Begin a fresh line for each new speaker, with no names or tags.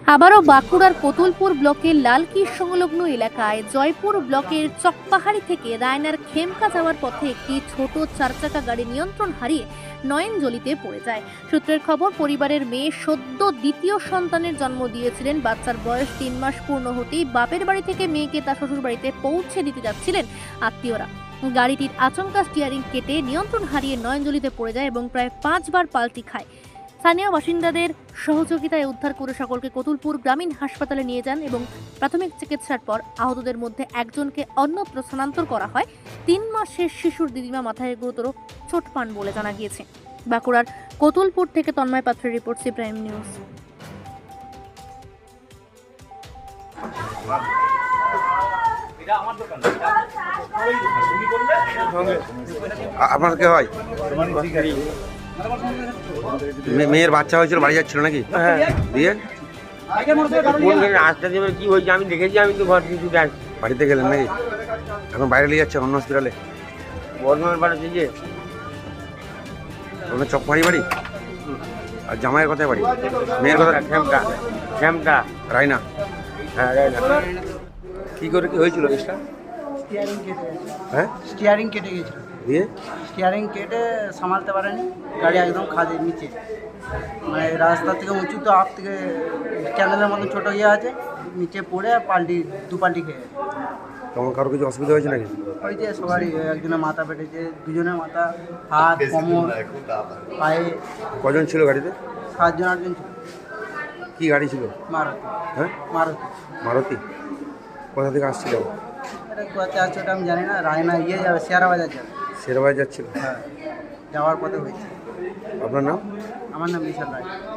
আবারও বাঁকুড়ার কতুলপুর ব্লকের লালকির সংলগ্ন এলাকায় জয়পুর ব্লকের চকপাহাড়ি থেকে রায়নার খেমকা যাওয়ার পথে একটি ছোট চারচাকা গাড়ি নিয়ন্ত্রণ হারিয়ে নয়নজলিতে পড়ে যায়। সূত্রের খবর, পরিবারের মেয়ে সদ্য দ্বিতীয় সন্তানের জন্ম দিয়েছিলেন। বাচ্চার বয়স 3 মাস পূর্ণ হতেই বাপের বাড়ি থেকে মেয়েকে তার শ্বশুর বাড়িতে পৌঁছে দিতে যাচ্ছিলেন আত্মীয়রা। গাড়িটির আচমকা স্টিয়ারিং কেটে নিয়ন্ত্রণ হারিয়ে নয়নজলিতে পড়ে যায় এবং প্রায় 5 বার পাল্টি খায়। স্থানীয় বাসিন্দাদের সহযোগিতায় উদ্ধার করে সকলকে কতুলপুর গ্রামীণ হাসপাতালে নিয়ে যান এবং প্রাথমিক চিকিৎসার পর আহতদের মধ্যে একজনকে অন্যত্র স্থানান্তর করা হয়। 3 মাসের শিশুর দিদিমা মাথায় গুরুতর চোট পান বলে জানা গিয়েছে। বাঁকুড়ার কতুলপুর থেকে তন্ময় পাত্রের রিপোর্ট, সি প্রাইম নিউজ।
আপনার কে হয়? মেয়ের বাচ্চা হয়েছিল, বাড়ি যাচ্ছিল নাকি?
হ্যাঁ,
দিয়ে
রাস্তা দিয়ে কি হয়েছে আমি দেখেছি, আমি তো ঘর কিছু দেখ
বাড়িতে গেলেন নাকি? এখন বাইরে নিয়ে যাচ্ছেন অন্য হসপিটালে?
বর্ধমান বাড়াচ্ছে যে
ওখানে চকপাড়ি বাড়ি। আর জামাইয়ের কথায় বাড়ি? মেয়ের কথা
শ্যামটা শ্যামটা
রায়না।
হ্যাঁ রাইনা।
কি করে কি হয়েছিল কেসটা?
স্টিয়ারিং কেটে গেছে।
হ্যাঁ,
স্টিয়ারিং কেটে গেছিল।
দিয়ে
স্টিয়ারিং কেটে সামালতে পারেনি, গাড়ি একদম খাদের নিচে, মানে রাস্তা থেকে উঁচু তো আপ থেকে ক্যানেলের মতন ছোটো ইয়ে আছে, নিচে পড়ে দু পাল্টি খেয়ে গেছে।
তখন কারো কিছু অসুবিধা হয়েছে নাকি?
ওই যে সবারই, একজনের মাথা ফেটেছে, দুজনের মাথা, হাত, কোমর, পায়ে।
কজন ছিল গাড়িতে?
7 জন 8 জন ছিল।
কি গাড়ি ছিল?
মারুতি।
হ্যাঁ,
মারুতি।
মারুতি। কোথা থেকে আসছিল?
এটা কোথাতে আছে ওটা আমি জানি না। রায়না ইয়ে যাবে, শেয়ারা বাজার যাবে।
শেরবাজার যাচ্ছিল।
হ্যাঁ, যাওয়ার পথে হয়েছে।
আপনার নাম?
আমার নাম বিশাল রায়।